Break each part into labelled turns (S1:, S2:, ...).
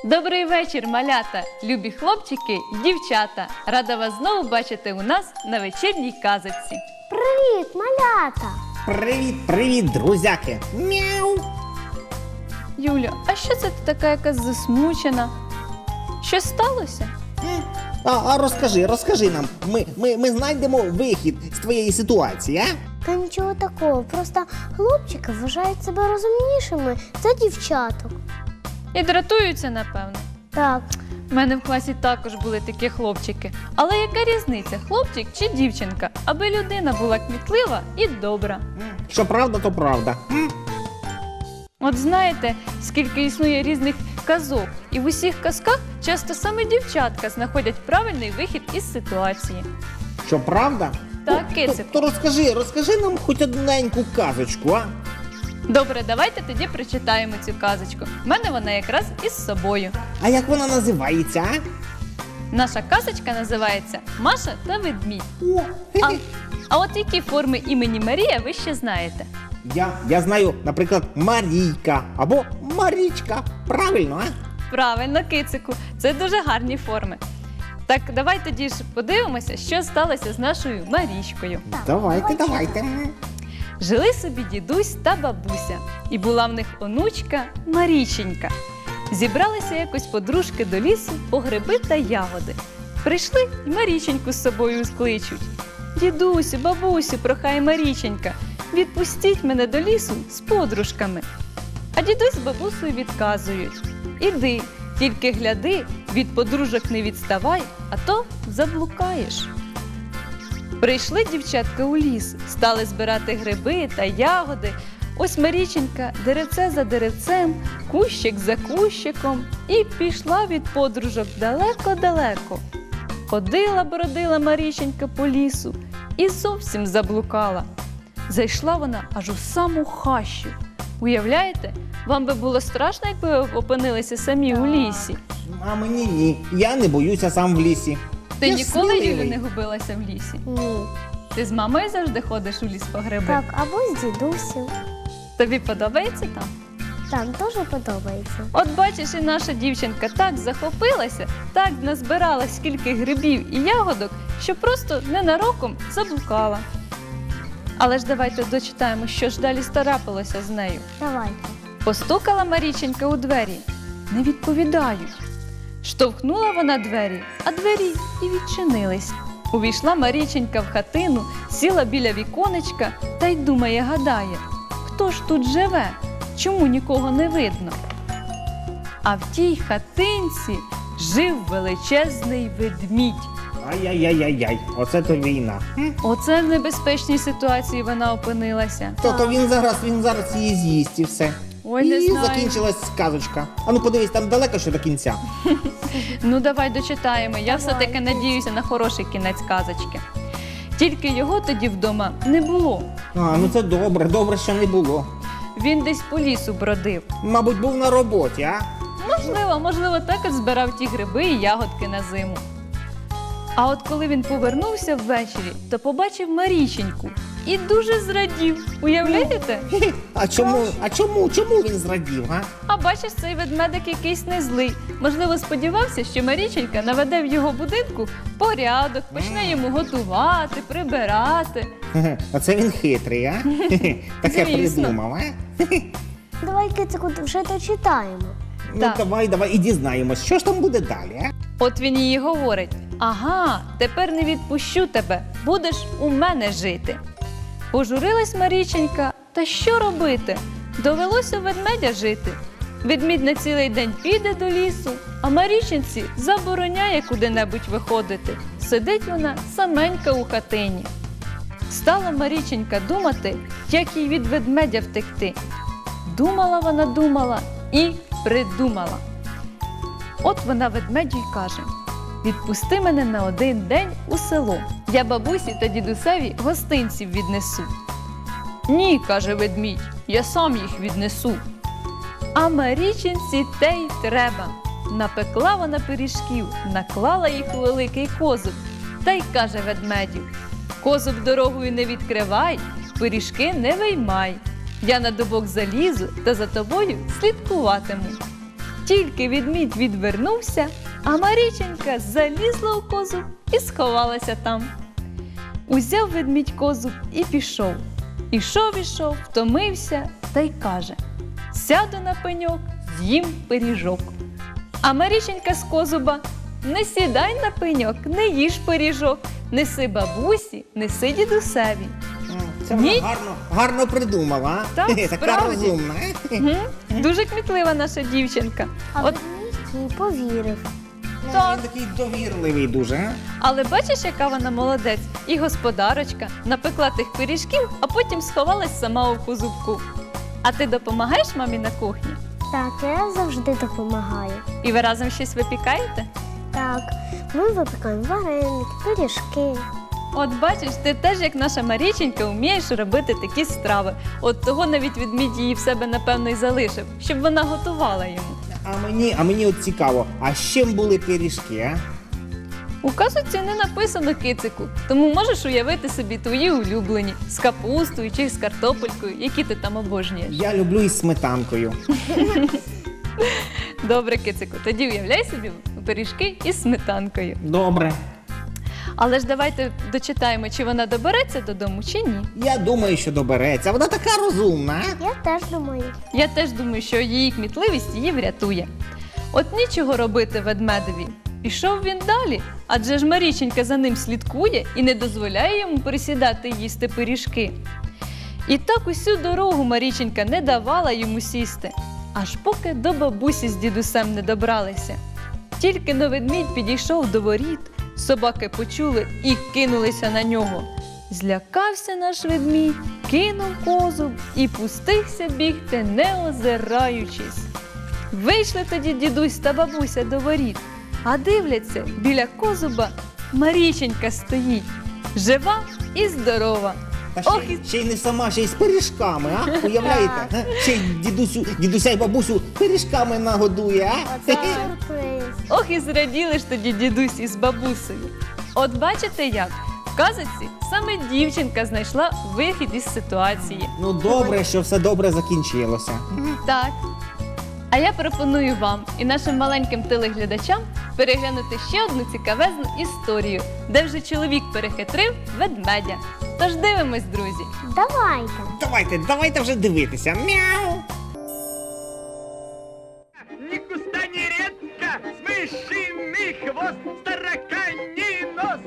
S1: Добрий вечір, малята, любі хлопчики й дівчата. Рада вас знову бачити у нас на вечірній казочці.
S2: Привіт, малята!
S3: Привіт, друзяки! Мяу!
S1: Юля, а що це ти така якась засмучена? Щось сталося?
S3: А розкажи нам, ми знайдемо вихід з твоєї ситуації, а?
S2: Та нічого такого, просто хлопчики вважають себе розумнішими за дівчаток.
S1: І дратуються, напевно.
S2: Так,
S1: У мене в класі також були такі хлопчики. Але яка різниця, хлопчик чи дівчинка? Аби людина була кмітлива і добра.
S3: Що правда, то правда.
S1: От знаєте, скільки існує різних казок, і в усіх казках часто саме дівчатка знаходять правильний вихід із ситуації.
S3: Що правда?
S1: Так,
S3: То
S1: кицику.
S3: розкажи нам хоч одненьку казочку, а?
S1: Добре, давайте тоді прочитаємо цю казочку. В мене вона якраз із собою.
S3: А як вона називається, а?
S1: Наша казочка називається «Маша та ведмідь».
S3: О,
S1: А от які форми імені Марія ви ще знаєте?
S3: Я знаю, наприклад, Марійка або Марічка. Правильно, а?
S1: Правильно, кицику, це дуже гарні форми. Так, давай тоді ж подивимося, що сталося з нашою Марічкою.
S3: Давайте.
S1: Жили собі дідусь та бабуся, і була в них онучка Маріченька. Зібралися якось подружки до лісу по гриби та ягоди. Прийшли і Маріченьку з собою скличуть. Дідусю, бабусю, прохає Маріченька, відпустіть мене до лісу з подружками. А дідусь з бабусею відказують: іди, тільки гляди, від подружок не відставай, а то заблукаєш. Прийшли дівчатка у ліс, стали збирати гриби та ягоди. Ось Маріченька деревце за деревцем, кущик за кущиком і пішла від подружок далеко-далеко. Ходила-бродила Маріченька по лісу і зовсім заблукала. Зайшла вона аж у саму хащу. Уявляєте, вам би було страшно, якби ви опинилися самі у лісі?
S3: А мені ні. Я не боюся сам в лісі.
S1: Ти
S3: Я
S1: ніколи, Юлю,
S3: сміливий.
S1: не губилася в лісі?
S2: ні.
S1: Ти з мамою завжди ходиш у ліс по гриби?
S2: Так, або з дідусем.
S1: Тобі подобається там?
S2: Так, дуже подобається.
S1: От бачиш, і наша дівчинка так захопилася, так назбирала скільки грибів і ягодок, що просто ненароком заблукала. Але ж давайте дочитаємо, що ж далі трапилося з нею.
S2: Давайте.
S1: Постукала Маріченька у двері. Не відповідають. Штовхнула вона двері, а двері і відчинились. Увійшла Маріченька в хатину, сіла біля віконечка та й думає, гадає, хто ж тут живе, чому нікого не видно. А в тій хатинці жив величезний ведмідь.
S3: Ай-яй-яй-яй, оце то війна.
S1: Оце в небезпечній ситуації вона опинилася.
S3: То він зараз її з'їсть і все.
S1: Ой, не
S3: І
S1: знаю.
S3: закінчилась сказочка. А ну подивись, там далеко ще до кінця.
S1: Ну давай дочитаємо, я все-таки надіюся на хороший кінець казочки. Тільки його тоді вдома не було.
S3: А, ну це добре, що не було.
S1: Він десь по лісу бродив.
S3: Мабуть, був на роботі, а?
S1: Можливо, також збирав ті гриби і ягодки на зиму. А от коли він повернувся ввечері, то побачив Маріченьку і дуже зрадів. Уявляєте?
S3: Чому він зрадів, а?
S1: А бачиш, цей ведмедик якийсь не злий. Можливо, сподівався, що Маріченька наведе в його будинку порядок, почне йому готувати, прибирати.
S3: Оце він хитрий, а? Таке
S1: Звісно.
S3: придумав, а?
S2: Давай, кицику, вже дочитаємо.
S3: Ну
S1: Так.
S3: давай і дізнаємось, що ж там буде далі, а?
S1: От він їй говорить: ага, тепер не відпущу тебе, будеш у мене жити. Пожурилась Маріченька, та що робити? Довелося ведмедя жити. Ведмідь на цілий день піде до лісу, а Маріченці забороняє куди-небудь виходити. Сидить вона саменька у хатині. Стала Маріченька думати, як їй від ведмедя втекти. Думала і придумала. От вона ведмедю й каже: відпусти мене на один день у село. Я бабусі та дідусеві гостинців віднесу. Ні, каже ведмідь, я сам їх віднесу. А Маріченці те й треба. Напекла вона пиріжків, наклала їх у великий козуб. Та й каже ведмедю: козуб дорогою не відкривай, пиріжки не виймай. Я на дубок залізу та за тобою слідкуватиму. Тільки ведмідь відвернувся, а Маріченька залізла у козуб і сховалася там. Узяв ведмідь козуб і пішов. Ішов, втомився та й каже: сяду на пеньок, з'їм пиріжок. А Маріченька з козуба: не сідай на пеньок, не їж пиріжок, неси бабусі, неси дідусеві.
S3: Це вона
S1: Ні.
S3: гарно придумала, а?
S1: Так,
S3: Така
S1: справді.
S3: розумна.
S1: Дуже кмітлива наша дівчинка.
S2: А
S1: От,
S2: ведмідь їй повірив.
S1: Так.
S3: Він такий довірливий дуже, а?
S1: але бачиш, яка вона молодець? І господарочка напекла тих пиріжків, а потім сховалась сама у козубку. А ти допомагаєш мамі на кухні?
S2: Так, я завжди допомагаю.
S1: І ви разом щось випікаєте?
S2: Так, ми випікаємо вареники, пиріжки.
S1: От бачиш, ти теж, як наша Маріченька, вмієш робити такі страви. От того навіть ведмідь її в себе, напевно, й залишив, щоб вона готувала йому.
S3: А мені от цікаво, а з чим були пиріжки, а?
S1: У казочці не написано, кицику, тому можеш уявити собі твої улюблені з капустою чи з картопелькою, які ти там обожнюєш.
S3: Я люблю із сметанкою.
S1: Добре, кицику, тоді уявляй собі пиріжки із сметанкою.
S3: Добре.
S1: Але ж давайте дочитаємо, чи вона добереться додому, чи ні.
S3: Я думаю, що добереться. Вона така розумна, а?
S2: Я теж думаю.
S1: Я теж думаю, що її кмітливість її врятує. От нічого робити ведмедеві. Пішов він далі, адже ж Маріченька за ним слідкує і не дозволяє йому присідати й їсти пиріжки. І так усю дорогу Маріченька не давала йому сісти, аж поки до бабусі з дідусем не добралися. Тільки но ведмідь підійшов до воріт, собаки почули і кинулися на нього. Злякався наш ведмідь, кинув козуб і пустився бігти, не озираючись. Вийшли тоді дідусь та бабуся до воріт, а дивляться, біля козуба Маріченька стоїть, жива і здорова.
S3: Та
S1: Ох,
S3: ще й не сама, ще й з пиріжками, а? Уявляєте? а? Ще й дідуся й бабусю пиріжками нагодує, а?
S2: Оце сюрприз.
S1: Ох, і зраділи ж тоді дідусь із бабусею. От бачите як? В казочці саме дівчинка знайшла вихід із ситуації.
S3: Ну добре, що все добре закінчилося.
S1: Так. А я пропоную вам і нашим маленьким телеглядачам переглянути ще одну цікавезну історію, де вже чоловік перехитрив ведмедя. Тож дивимось, друзі.
S2: Давайте.
S3: Давайте вже дивитися. Мяу!
S4: Ни куста, ни редко, с мышиный хвост, тараканий нос.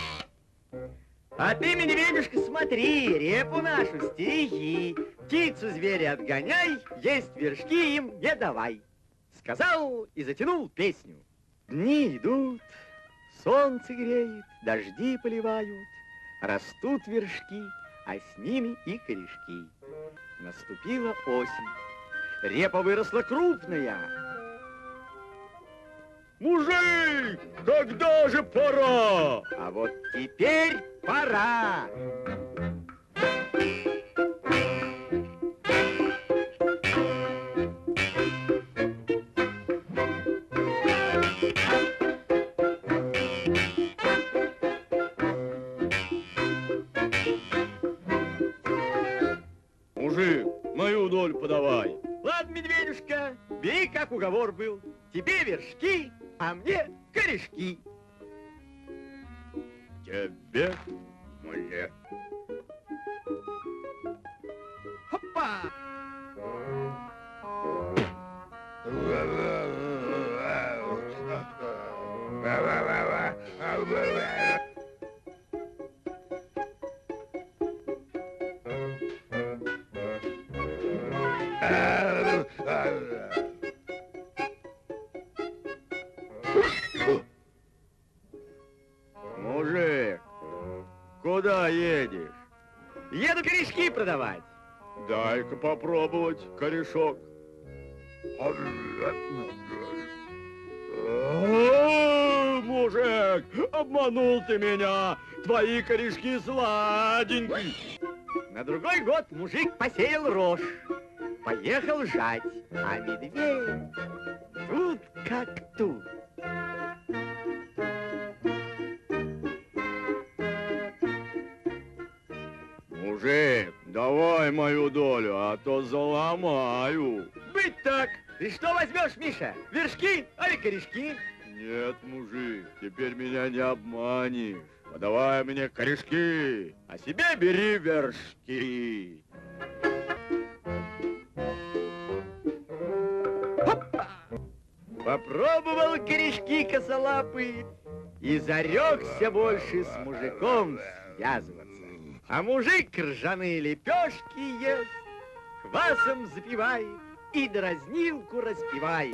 S4: А ты, медведюшка, смотри, репу нашу стереги, птицу зверя отгоняй, есть вершки им не давай. Сказал и затянул песню. Дни идут, солнце греет, дожди поливают, растут вершки, а с ними и корешки. Наступила осень, репа выросла крупная. Мужик, когда же пора? А вот теперь пора. Мужик, мою долю подавай. Ладно, медведюшка, бери, как уговор был. Тебе вершки, а мне корешки. Тебе мне. Хопа! Мужик, куда едешь? Еду корешки продавать. Дай-ка попробовать корешок. Мужик, обманул ты меня. Твои корешки сладенькие. На другой год мужик посеял рожь. Поехал жать, а медведь тут как тут. Мужик, давай мою долю, а то заломаю. Быть так. Ты что возьмешь, Миша? Вершки или корешки?
S5: Нет, мужик, теперь меня не обманешь. Подавай мне корешки, а себе бери вершки.
S4: Попробовал корешки косолапый и зарекся больше с мужиком связываться. А мужик ржаные лепешки ест, квасом запивает и дразнилку распевает.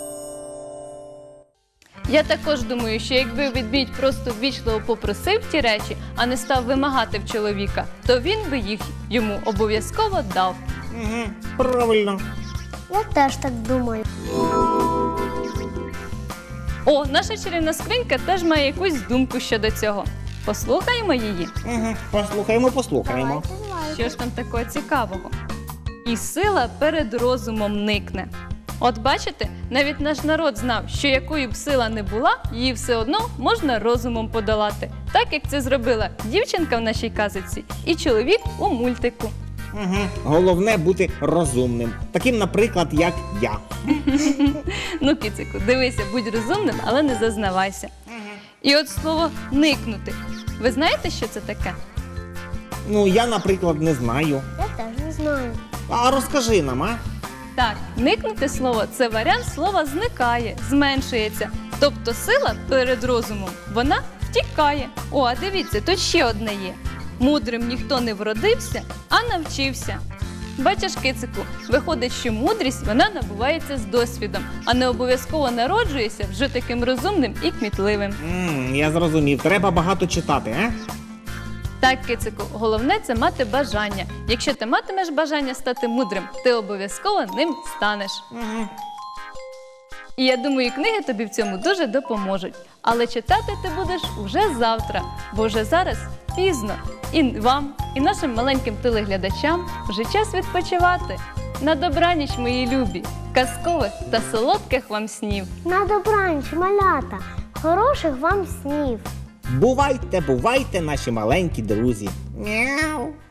S1: Я також думаю, що якби ведмідь просто ввічливо попросив ті речі, а не став вимагати в чоловіка, то він би їх йому обов'язково дав.
S3: Угу, правильно.
S2: Я теж так думаю.
S1: О, наша чарівна скринька теж має якусь думку щодо цього. Послухаємо її.
S3: Угу, послухаємо.
S2: Давайте.
S1: Що ж там такого цікавого? І сила перед розумом никне. От бачите, навіть наш народ знав, що якою б сила не була, її все одно можна розумом подолати. Так, як це зробила дівчинка в нашій казочці і чоловік у мультику.
S3: Угу. Головне бути розумним. Таким, наприклад, як я.
S1: Ну, кицику, дивися, будь розумним, але не зазнавайся. І от слово «никнути». Ви знаєте, що це таке?
S3: Ну, я, наприклад, не знаю.
S2: Я теж не знаю.
S3: А розкажи нам, а?
S1: Так, никнути слово – це варіант слова зникає, зменшується. Тобто сила перед розумом, вона втікає. О, а дивіться, тут ще одне є. Мудрим ніхто не вродився, а навчився. Бачиш, кицику, виходить, що мудрість вона набувається з досвідом, а не обов'язково народжується вже таким розумним і кмітливим.
S3: Я зрозумів. Треба багато читати, а?
S1: Так, кицику, головне – це мати бажання. Якщо ти матимеш бажання стати мудрим, ти обов'язково ним станеш. І я думаю, книги тобі в цьому дуже допоможуть. Але читати ти будеш уже завтра, бо вже зараз пізно. І вам, і нашим маленьким телеглядачам вже час відпочивати. На добраніч, мої любі, казкових та солодких вам снів.
S2: На добраніч, малята. Хороших вам снів.
S3: Бувайте, бувайте, наші маленькі друзі. Мяу.